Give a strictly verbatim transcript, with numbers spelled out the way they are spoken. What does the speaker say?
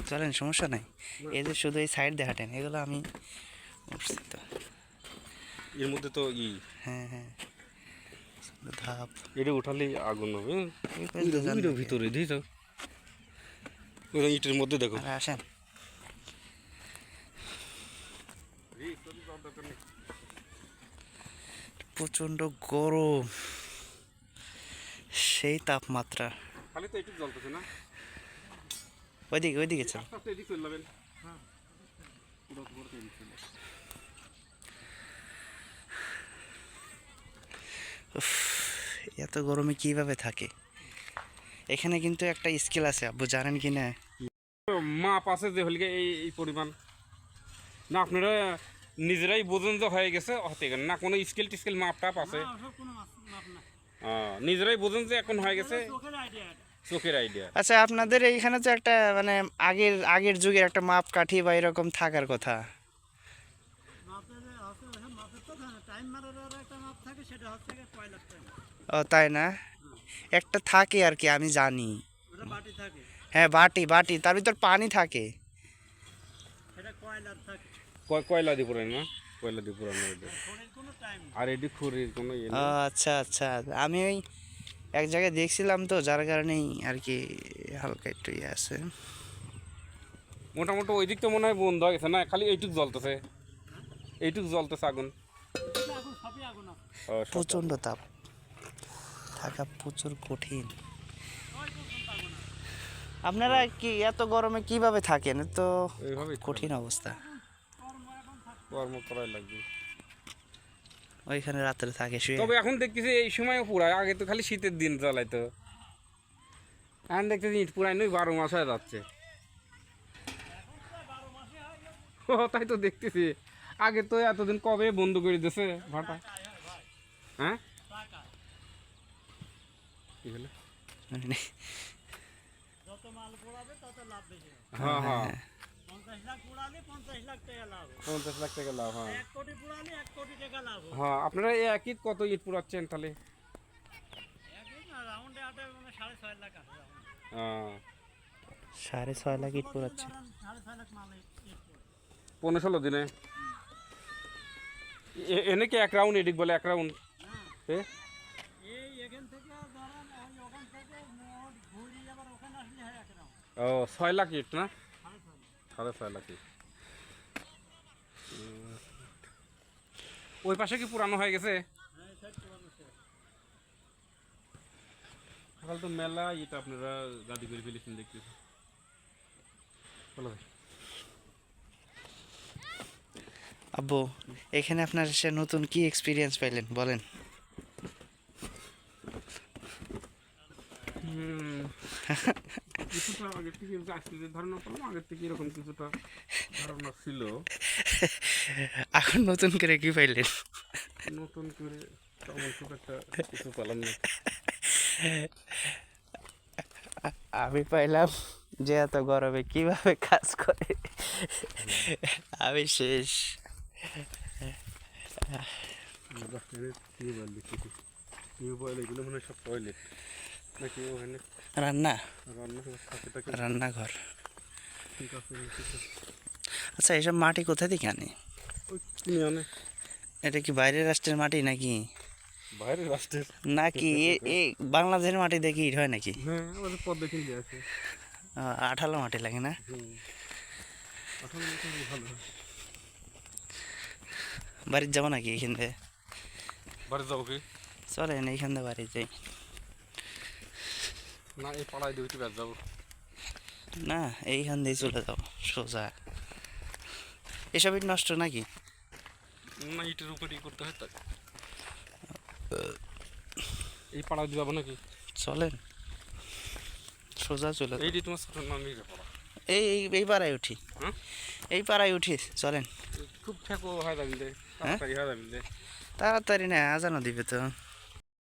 চলেন, সমস্যা নাই। এই যে শুধু এই সাইড দিয়ে হাঁটেন, এগুলো আমি উঠছি তো। এর মধ্যে তো ই হ্যাঁ হ্যাঁ, ধাপ এটা উঠালেই আগুন হবে। এই পাশ দিয়ে যান ওইটা নাকি? ভিতরে দিই তো ওই ইটের মধ্যে দেখো। আরে আসেন। প্রচণ্ড গরম, সেই তাপমাত্রা। খালি তো একটু জ্বলতেছে না। ওইদিকে ওইদিকে চল। আস্তে আস্তে এদিক চলে যাবেন। হ্যাঁ পুরো পুরো এদিক চলে যাবেন। উফ, এত গরমে কিভাবে থাকে? এখানে কিন্তু একটা স্কিল আছে, আব্বু জানেন কি না? মাপ আছে যে হলিকে এই এই পরিমাণ না, আপনারা নিজেরাই বোঝেন যে হয়ে গেছে হতে গেলে না, কোনো স্কেল টিস্কেল মাপ টাপ আছে? নিজেরাই বোঝেন যে এখন হয়ে গেছে, চোখের আইডিয়া। আচ্ছা, আপনাদের এইখানে তো একটা মানে আগের আগের যুগের একটা মাপ কাঠি বা এরকম থাকার কথা। ও তাই না? একটা থাকে আর কি, আমি জানি। হ্যাঁ, বাটি বাটি, তার ভিতর পানি থাকে। কয়লা দিয়ে পুরান না, কয়লা দিয়ে পুরানো। আর এটি খড়ির কোনো ইয়ে ও আচ্ছা আচ্ছা, আমি ওই এক জায়গায় দেখছিলাম তো, যার কারণেই আর কি হালকা একটু ইয়ে আছে। মোটামুটি ওই দিক তো মনে হয় বন্ধ হয়ে গেছে না, খালি এইটুক জ্বলতেছে, এইটুক জ্বলতেছে আগুন। প্রচণ্ড তাপ, থাকা প্রচুর কঠিন। আপনারা কি এত গরমে কিভাবে থাকেন? তো এইভাবেই কঠিন অবস্থা। কর্ম করাই লাগবে। ওইখানে রাত্রে থাকে শুয়ে। তবে এখন দেখতেছি এই সময় পুরাই, আগে তো খালি শীতের দিন জ্বালাইতো, এখন দেখতেছি ইট পুরাই নই বারো মাস হয়ে যাচ্ছে। ও তাই তো দেখতেছি, আগে তো এতদিন কবে বন্ধ করে দিয়েছে ভাটা। হ্যাঁ কি হলো? হ্যাঁ হ্যাঁ পঞ্চাশ লাখ টাকা লাভ। হ্যাঁ হ্যাঁ, আপনারা এই একই কত ইট পুরাচ্ছেন তাহলে? সাড়ে ছয় লাখ ইট পোড়াচ্ছে পনেরো ষোলো দিনে। এনে কি এক রাউন্ড এদিক বলে এক রাউন্ড? ও ছয় লাখ ইট না, সাড়ে ছয় লাখ ইট। ওই পাশে কি পুরানো হয়ে গেছে? সকাল তো মেলা ইট আপনারা গাদি করে ফেলেছেন দেখতেছি। চলো ভাই। আব্বু, এখানে আপনার সে নতুন কি এক্সপিরিয়েন্স পাইলেন বলেন? কিছুটা আগের থেকে আজকে যে ধারণা করলাম, আগের থেকে এরকম কিছুটা ধারণা ছিল। এখন নতুন করে কি পাইলেন? নতুন করে তেমন খুব একটা কিছু পেলাম না। আমি পাইলাম যে এত গরমে কিভাবে কাজ করে। আমি শেষ। টিউবওয়েল দেখতেছি, টিউবওয়েল এগুলো মনে হয় সব টয়লেট নাকি ওখানে রান্না, রান্না থাকে থাকে। রান্নাঘর। ঠিক আছে। আচ্ছা, এসব মাটি কোথা থেকে আনে? ওই কিনে আনে। এটা কি বাইরের রাষ্ট্রের মাটি নাকি? বাইরের রাষ্ট্রের নাকি এই বাংলাদেশের মাটি দেখি ইট হয় নাকি? হ্যাঁ, আমাদের পদ্মা কিনলে আছে। আঠালো মাটি লাগে না? হুম, আঠালো মাটি ভালো। বাড়ির যাবো নাকি এইখান থেকে? বাড়ি যাবো কি? চলেন এইখান থেকে বাড়ি যাই। না, এই পাড়ায় দুইটি ব্যাস যাবো না, এইখান দিয়ে চলে যাও সোজা। এসব ইট নষ্ট নাকি? না, ইটের উপরেই করতে হয় তাই। এই পাড়ায় যাবো নাকি? চলেন সোজা চলে। এইটি তোমার ছোট নামই পাড়া। এই এই পাড়ায় উঠি। হ্যাঁ, এই পাড়ায় উঠি, চলেন। খুব ঠেকো হয় যাবি, তাড়াতাড়ি হয় যাবি। তাড়াতাড়ি না, আজানো দিবে তো।